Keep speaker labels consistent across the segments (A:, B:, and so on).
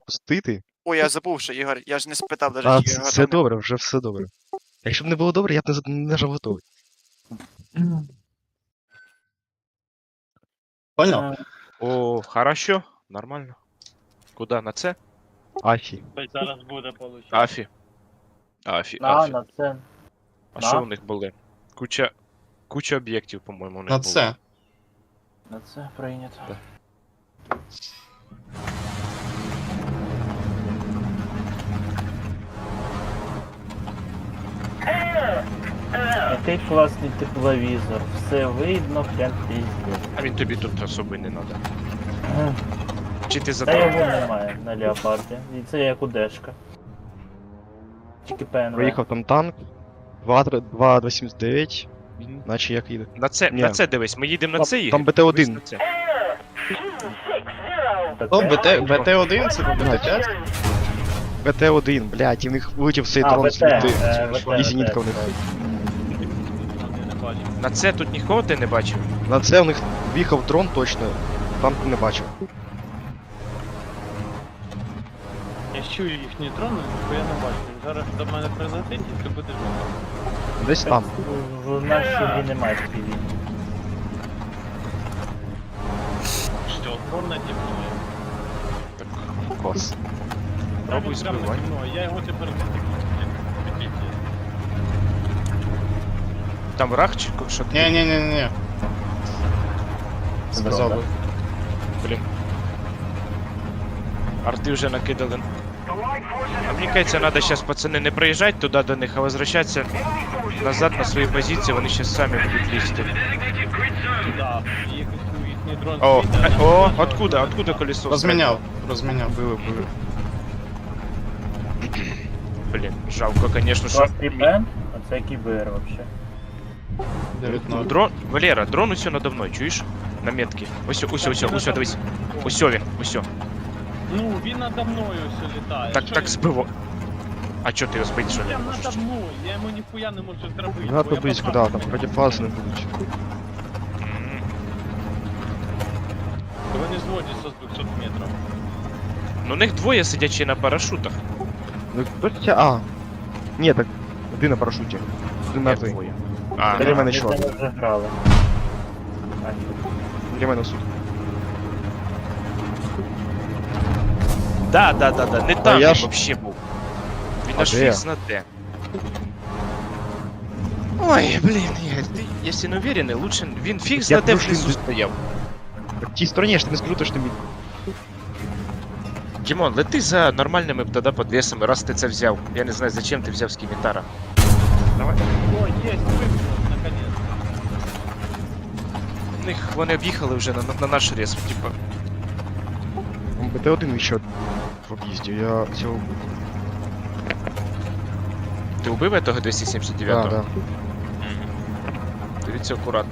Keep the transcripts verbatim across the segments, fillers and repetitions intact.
A: запустити.
B: Ой, я забув, що Ігор, я ж не спитав даже,
A: А
B: чи
A: це,
B: Ігор
A: все
B: там не-
A: добре, вже все добре. Якщо б не було добре, я б не, за- не нажав готовий.
C: Понял?
D: О, хорошо, нормально. Куда, на це?
A: Афі.
E: Ось зараз буде получати.
D: Афі. Афі,
E: На,
D: Афі.
E: на це.
D: А
E: на.
D: що у них були? Куча... Куча об'єктів, по-моєму, у них
C: На
D: було.
C: це.
E: На це прийнято.
D: Да.
E: Який класний тепловізор. Все видно, прям піздець.
D: А він тобі тут особо й не треба.
E: М.
D: Чи ти
E: Та
D: задав?
E: його немає на леопарді. І це як у Дешка. Тільки ПНВ.
A: Проїхав там танк. два два сімдесят дев'ять. Наче як їде.
D: На це,
A: Ні.
D: на це дивись, ми їдемо на
A: Там-
D: це Ігор?
A: там БТ один.
D: Дивись на це.
C: О, БТ, БТ один, це БТ п'ять?
A: Б Т один, блядь, і в них вилетів цей
E: А,
A: дрон
E: ВТ,
A: з літи.
E: е, ВТ,
A: І зенітка в них.
D: На це тут нікого ти не бачив?
A: На це в них в'їхав дрон точно, танку не бачив.
E: Я чую їхні дрони, бо я не бачу. Зараз до мене прилетить і ти будеш бачити.
A: Десь там.
E: В нашій грі немає пі ві. Що, дрон наді мною?
A: Клас.
D: Пробуй збивай.
E: Я його тепер не
D: Там враг чи що ти?
C: Ні-ні-ні-ні. Сказав би.
D: Блін. Арти вже накидали. А мені кажеться, треба зараз, пацани, не приїжджати туди до них, а возвращатися назад на свої позиції, вони ще самі будуть лізти.
E: Да, їхній дрон
D: О,
E: світить,
D: а- о, откуда, откуда колесо?
C: Розміняв, розміняв.
A: Били, били.
D: Блін, жалко, конечно, що...
E: Клас Пен, а це кібер вообще.
C: дев'ять ноль.
D: Дрон, Валера, дрон усьо надо мною, чуєш? На метки. Ось, ось, ось, ось, дивись. Ось він, ось.
E: Ну, він надо мною все літає.
D: Так,
E: Що
D: так
E: він?
D: збиво. А чо ти його збити, що не
E: Прям
D: можеш?
E: надо мною, я йому ніхуя не можу зробити.
A: Надо
E: бо я
A: близько,
E: попав.
A: да, там протифази не будуть.
D: М,
E: Вони зводять со двохсот метрів.
D: Ну, у них двоє сидячи на парашутах.
A: Ну хто це? А. Ні, так. Один на парашуті. Один на
D: Як
A: ти.
D: двоє? А,
A: Біля мене
E: Ми
A: чувак.
E: з ними вже грали.
A: Для мене суд.
D: да, да, да, да, не там
A: я
D: він
A: ж-
D: вообще був. Він
A: А
D: аж
A: де?
D: фікс на де. Ой, блін, Ігор, ти, якщо не уверений, лучше він фікс
A: Я
D: на де
A: просто
D: внизу
A: не-
D: стояв.
A: Так в тій стороні, я ж не скажу, то що ти мій.
D: Дімон, лети за нормальними б тоді подвесами, раз ти це взяв. Я не знаю, зачем ти взяв скімітара. Давай.
E: О, є, вийшло, наконець.
D: У них вони об'їхали вже на, на наш рез, типа.
A: Б Т один ще в об'їзді, я цього...
D: Ти убив того двісті сімдесят
A: Да,
D: дев'ятого?
A: да.
D: Мгм. Дивіться акуратно.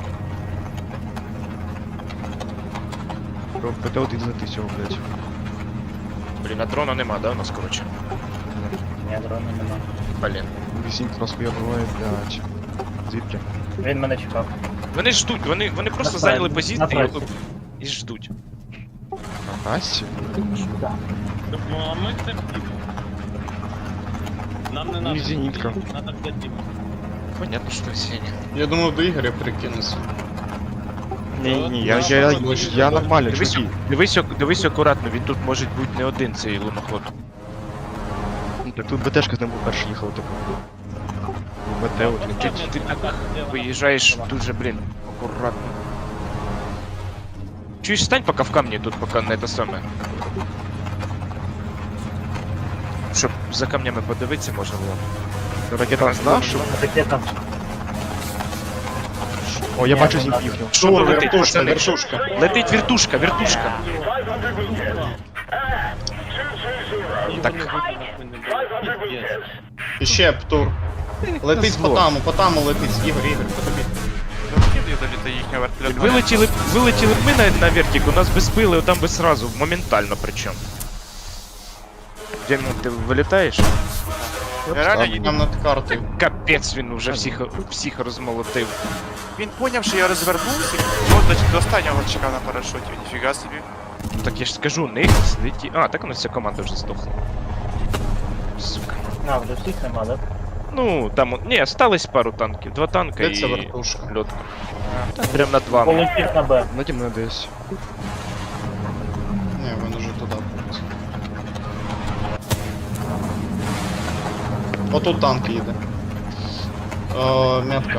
A: Б Т один знайти цього, блядь.
D: Блін, а дрона нема, да, у нас, коротше?
E: Ні, дрона нема.
D: Блін.
A: Вісінька нас хуя буває, блядь. Звідки?
E: Він мене чекав.
D: Вони ждуть, вони, вони просто
E: На
D: зайняли
E: трасі,
D: позиції
E: на
D: і,
E: трасі.
D: і ждуть.
A: На Насті?
E: Ну, а ми це втімо. Нам не
A: Ну,
E: надо.
A: і зенітка.
E: Надо для Діма.
D: Понятно, що Сеня.
C: Я думав, до Ігоря перекинуся.
A: Ні, ні, я, я, я, я нормально,
D: Дивись,
A: чуваки.
D: дивись, ак- дивись акуратно, він тут може бути не один цей луноход.
A: Ну, так тут БТшка з ним був перший їхав, типу. Б Т один.
D: Ти, ти так виїжджаєш дуже, блін, акуратно. Чуєш, стань поки в камні тут, поки не те саме. Щоб за камнями подивитися можна було.
A: Ракета знав, що...
E: Ракета.
A: О, я
E: Ні,
A: бачу
E: вона-
A: зімп їхню.
D: Що летить,
C: вертушка,
D: пацани?
C: вертушка.
D: Летить вертушка, вертушка. Так.
C: І ще птур. Летить по таму, по таму летить. Ігор, Ігор, по тобі.
D: Вилетіли, вилетіли б ми на, на вертик, у нас би збили, там би сразу, моментально причому. Дімон, ти вилітаєш?
C: Реально нам над картою.
D: Капець, він уже всіх, всіх розмолотив.
B: Він поняв, що я розвернувся, от до, до останнього чекав на парашуті, ніфіга собі.
D: Ну так я ж скажу, них сидить. А, так у нас вся команда вже здохла. Сука.
E: А, вже всіх нема, да?
D: Ну, там. Ні, осталось пару танків. Два танка
C: Де це
D: і
C: вертушка?
D: льотка. Та прям над вами.
E: Полетів на Б.
A: Наді мною десь.
C: Ні, він уже туди полетів. Отут танк їде. О, метка.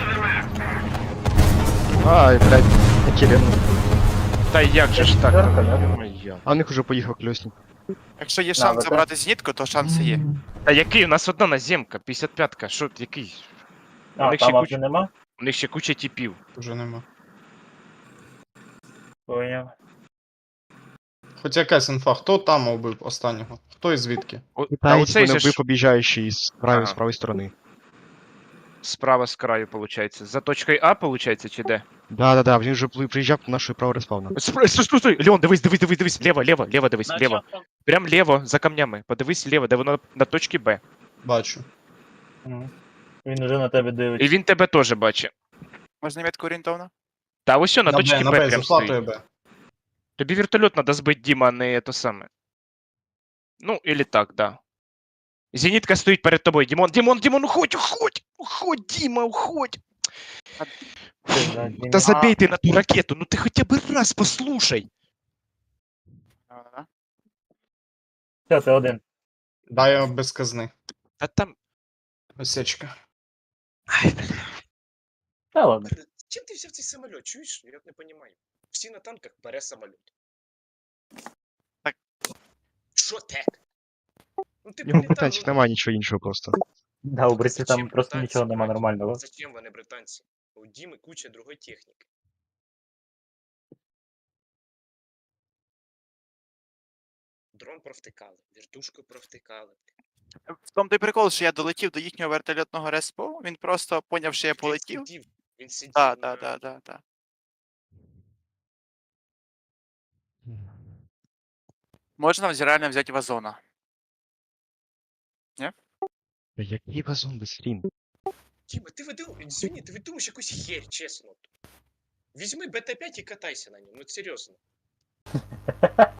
A: Ай, блядь, які рівно.
D: Та як же ж так?
E: Четверка, да?
D: Моя.
A: А у них уже поїхав кльосник.
B: Якщо є
E: Да,
B: шанс
E: ви
B: забрати зенітку, то шанси є.
D: Та який? У нас одна наземка, п'ятдесят п'ятка. Що, який? У
E: А,
D: них ще
E: там
D: куча,
E: вже нема?
D: у них ще куча тіпів.
C: Уже нема.
E: Поняв.
C: Хоч якась інфа, хто там убив останнього? Хто і звідки?
D: О, та
A: Китаєць
D: оцей
A: мене
D: же
A: вбив
D: ж
A: об'їжджаючий з правої,
D: Ага.
A: з правої сторони.
D: справа з краю, виходить. За точкою А, виходить, чи де?
A: Да-да-да, він вже пли- приїжджав до нашої правої респавна.
D: Стой, стой, стой, стой! Леон, дивись, дивись, дивись, дивись, лево, лево, лево, дивись, лево.
E: Наче-
D: Прям лево, за камнями. Подивись лево, де воно на точці Б.
C: Бачу.
E: Мгм. Він уже на тебе дивиться.
D: І він тебе теж бачить.
B: Можна метку орієнтовно?
D: Та ось що, на
C: На
D: точці
C: Б, на
D: Б
C: Б,
D: прям
C: зафлатує
D: стоїть.
C: Б.
D: Тобі вертольот надо збити, Діма, а не то саме. Ну, или так, да. Зенітка стоїть перед тобою. Дімон, Дімон, Дімон, уходь, уходь! Уходь, Діма, уходь! Та забей ти на ту ракету, ну ти хоча б раз послушай.
B: Да-да-да.
E: Все, ти один.
C: Дай я без казни.
D: Та там...
C: Осечка.
D: Ай, бля.
E: Та ладно.
D: Чим ти взяв цей самоліт, чуєш? Я не розумію. Всі на танках бере самоліт.
B: Так.
D: Що так? Ну ти
A: Його
D: політав,
A: питанців
D: ну,
A: немає нічого іншого просто.
E: Да, у Бриці
D: зачем
E: там просто
D: британці
E: нічого нема
D: брати?
E: нормального.
D: Зачем вони британці? У Діми куча другої техніки. Дрон провтикали, вертушку провтикали.
B: В тому той прикол, що я долетів до їхнього вертольотного респу, він просто поняв, що я полетів.
D: Він сидів, він сидів
B: Так,
D: на-
B: так, так, так, так. Можна вз- реально взяти вазона.
A: Та який вазон без стрім?
D: Діма, ти видив, извини, ти видумаєш якусь херь, чесно. Візьми Б Т п'ять і катайся на ньому, ну серйозно.